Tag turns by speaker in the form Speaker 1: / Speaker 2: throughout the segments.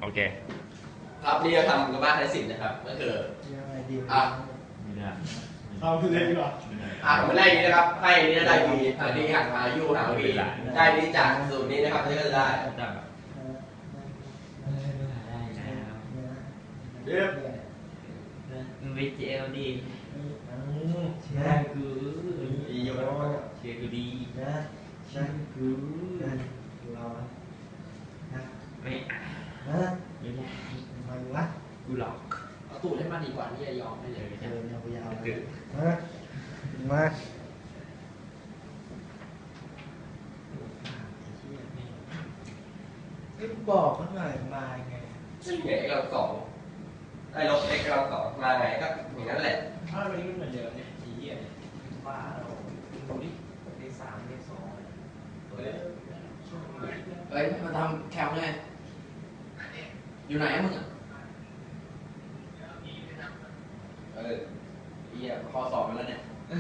Speaker 1: โอเค
Speaker 2: ครับนี่เราทำกับบ้านไทยศิลป์นะครับก็คืออ่ะ
Speaker 3: เอาเลยดีกว่า
Speaker 2: ผมไม่ไล่นี้นะครับให้นี้ได้ดีอันนี้หักมายู่หาวีได้นี้จากสูตรนี้นะครับนี่ก็จะได้เรียบ
Speaker 1: วิจเอลดีเชียร์กู
Speaker 2: ดีอยู่แล้ว
Speaker 1: เชียร์กูดี
Speaker 3: เชียร์กูเรา
Speaker 1: ไม่ไม่ได้
Speaker 3: ไม่วะ
Speaker 1: กูหลอก
Speaker 2: เอาตูดให้มันดีกว่านี่จะยอมให้เลย
Speaker 3: มาบอกเขาหน่อยมาไง
Speaker 2: ซึ่งไงเราสองไอ้ลบเอ็กเราสองมาไงก็อย่างนั้นแหละ
Speaker 3: ถ้าวันนี้มันเหมือนเดิมเนี่ยทีเหี้ยเนี่ยว่าเราดูดิเลขสามเลขสอง
Speaker 2: เฮ้ยมาทำแคลไงอยู่ไหนมึงอ่ะเหี้ยข้อสอบมาแล้วเนี่ย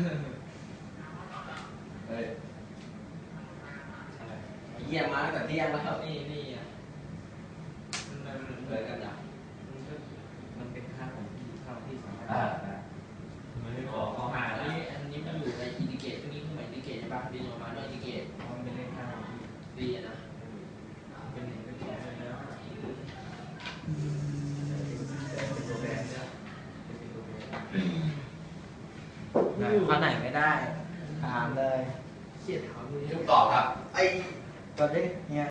Speaker 2: เยี่ยมมาตั้งแต่เที่ยงแล้ว
Speaker 3: นี่อ่ะ
Speaker 2: เลยกันนะ
Speaker 3: มันเป็นค่าของที่สามารถ
Speaker 1: ไม่ขอข้อหาแล้ว
Speaker 2: อันนี้มันอยู่ในอินดิเกตพวกนี้คือหมายอินดิเกตใช่ปะดีออกมาด้วยอินดิเกต
Speaker 3: มันเป็นเลขค่า
Speaker 2: ดีนะ
Speaker 3: เป็นหนึ่งเป็นสองเลยนะข้อไหนไม่ได้ถามเลย
Speaker 2: ทุกตอบครับไอ้
Speaker 3: ตอนนี้เนี่ย